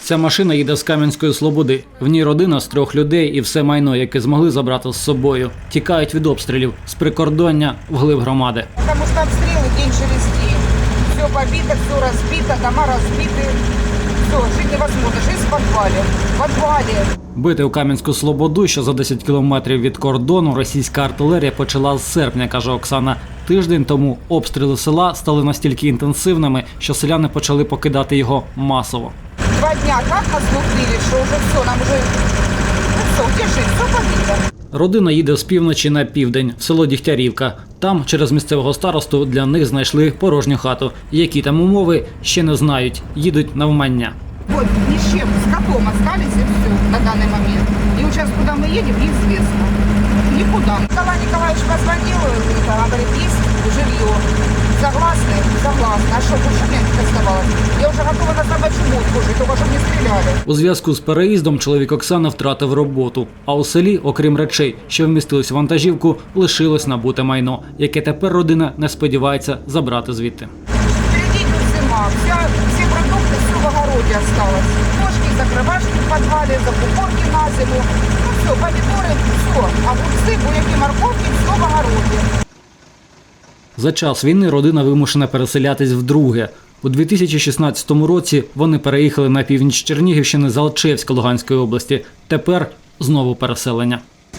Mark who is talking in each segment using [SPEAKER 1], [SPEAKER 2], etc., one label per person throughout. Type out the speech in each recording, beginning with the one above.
[SPEAKER 1] Ця машина їде з Кам'янської Слободи. В ній родина з 3 людей і все майно, яке змогли забрати з собою. Тікають від обстрілів з прикордоння вглиб громади.
[SPEAKER 2] Тому що обстріли день через день. Все побито, все розбито, дома розбиті. Все, жити невозможно, жити в підвалі. В підвалі.
[SPEAKER 1] Бити у Кам'янську Слободу, що за 10 кілометрів від кордону, російська артилерія почала з серпня, каже Оксана. Тиждень тому обстріли села стали настільки інтенсивними, що селяни почали покидати його масово.
[SPEAKER 2] 2 дня так нас лупили, що вже все, нам вже, все, де жити, все побито.
[SPEAKER 1] Родина їде з півночі на південь, в село Дігтярівка. Там, через місцевого старосту, для них знайшли порожню хату. Які там умови, ще не знають. Їдуть навмання.
[SPEAKER 2] Вот, ни с чем, с котом остались и все на данный момент. И вот сейчас куда мы едем, неизвестно. Никуда. Николай Николаевич позвонил, говорит, есть жилье. Согласны? Согласны. А что, больше мне не оставалось? Я уже готова на собачью мутку жить, только чтобы не стреляли.
[SPEAKER 1] У зв'язку з переїздом чоловік Оксани втратив роботу. А у селі, окрім речей, що вмістились в вантажівку, лишилось набуте майно, яке тепер родина не сподівається забрати звідти.
[SPEAKER 2] Впереди идет зима. Все продукты, все в огороде осталось. Ножки, закрывашки в подвале, закупорки на зиму. Ну все, помидоры, все. Огурцы, буряки, морковки, все в огороде.
[SPEAKER 1] За час війни родина вимушена переселятись вдруге. У 2016 році вони переїхали на північ Чернігівщини з Алчевська Луганської області. Тепер знову переселення.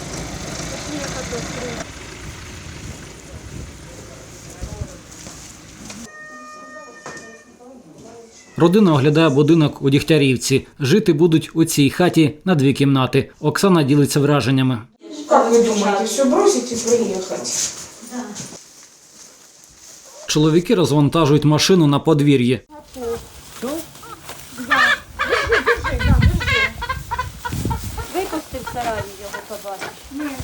[SPEAKER 1] Родина оглядає будинок у Дігтярівці. Жити будуть у цій хаті на 2 кімнати. Оксана ділиться враженнями.
[SPEAKER 2] Как вы думаете, все бросить и приехать?
[SPEAKER 1] Чоловіки розвантажують машину на подвір'ї.
[SPEAKER 3] Випусти в сараї його побачиш.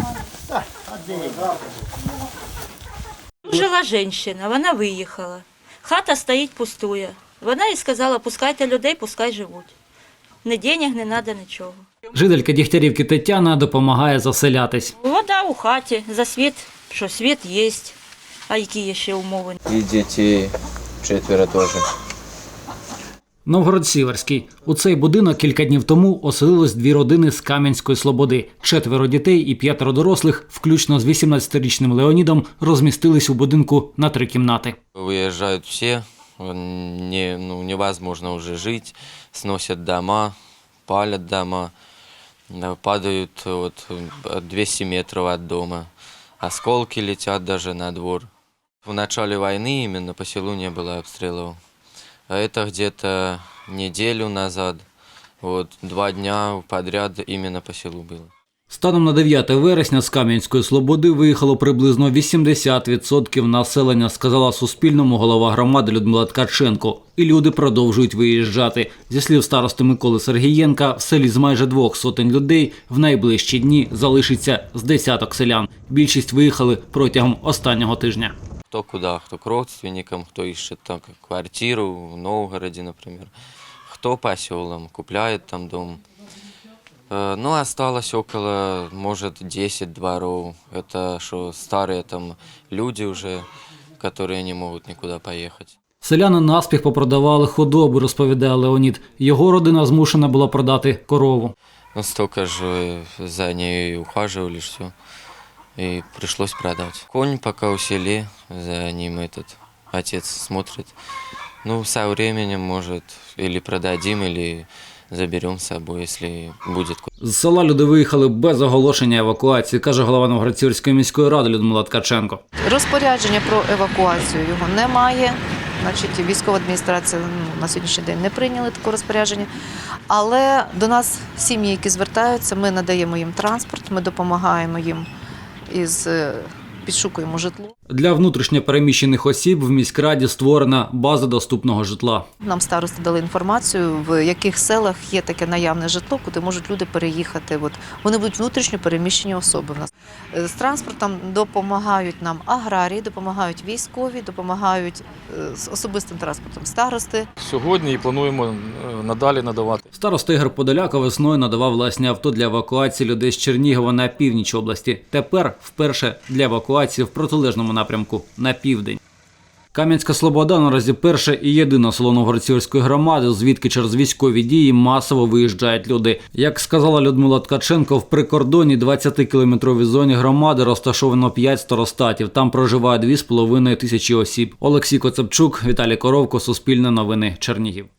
[SPEAKER 3] Жила жінка, вона виїхала. Хата стоїть пустує. Вона їй сказала, пускайте людей, пускай живуть. Ні денег, не треба нічого.
[SPEAKER 1] Жителька Дігтярівки Тетяна допомагає заселятись.
[SPEAKER 3] Вода у хаті, за світ, що світ є. А які є ще умови?
[SPEAKER 4] И детей 4 тоже.
[SPEAKER 1] Новгород-Сіверський. У цей будинок кілька днів тому оселилось 2 родини з Кам'янської Слободи. 4 дітей і 5 дорослих, включно з 18-річним Леонідом, розмістились у будинку на 3 кімнати.
[SPEAKER 4] Выезжают все, невозможно уже жить, сносят дома, палят дома, падают 200 метров от дома, осколки летят даже на двор. В начале войны именно по селу не было обстрелов. А это где-то неделю назад, 2 дня подряд именно по селу было.
[SPEAKER 1] Станом на 9 вересня з Кам'янської Слободи виїхало приблизно 80% населення, сказала Суспільному голова громади Людмила Ткаченко. І люди продовжують виїжджати. Зі слів старости Миколи Сергієнка, в селі з майже 200 людей в найближчі дні залишиться з десяток селян. Більшість виїхали протягом останнього тижня.
[SPEAKER 4] Кто куда, кто к родственникам, кто ищет так, квартиру в Новгороде, например. Кто по селам, купляет там дом. Ну, осталось около, может, 10 дворов. Это что старые там люди уже, которые не могут никуда поехать.
[SPEAKER 1] Селяни наспіх попродавали худобу, розповідає Леонід. Його родина змушена була продати корову.
[SPEAKER 4] Ну, столько же за ней ухаживали, все. И пришлось продать. Конь пока у селе, за ним отец смотрит. Ну, со временем, может, или продадим, или заберем с собой, если будет.
[SPEAKER 1] З села люди виїхали без оголошення евакуації, каже голова Новгород-Сіверської міської ради Людмила Ткаченко.
[SPEAKER 5] Розпорядження про евакуацію його немає. Значить, військова адміністрація на сьогоднішній день не прийняли таке розпорядження. Але до нас сім'ї, які звертаються, ми надаємо їм транспорт, ми допомагаємо їм підшукуємо житло.
[SPEAKER 1] Для внутрішньо переміщених осіб в міськраді створена база доступного житла.
[SPEAKER 5] Нам старости дали інформацію, в яких селах є таке наявне житло, куди можуть люди переїхати. Вони будуть внутрішньо переміщені особи в нас. З транспортом допомагають нам аграрії, допомагають військові, допомагають з особистим транспортом старости.
[SPEAKER 6] Сьогодні і плануємо надалі надавати.
[SPEAKER 1] Староста Ігор Подоляка весною надавав власні авто для евакуації людей з Чернігова на північ області. Тепер вперше для евакуації в протилежному напрямку на південь. Кам'янська Слобода наразі перше і єдине село Новгород-Сіверської громади, звідки через військові дії масово виїжджають люди. Як сказала Людмила Ткаченко, в прикордонній 20-кілометровій зоні громади розташовано 5 старостатів. Там проживає 2,5 тисячі осіб. Олексій Коцепчук, Віталій Коровко, Суспільне новини, Чернігів.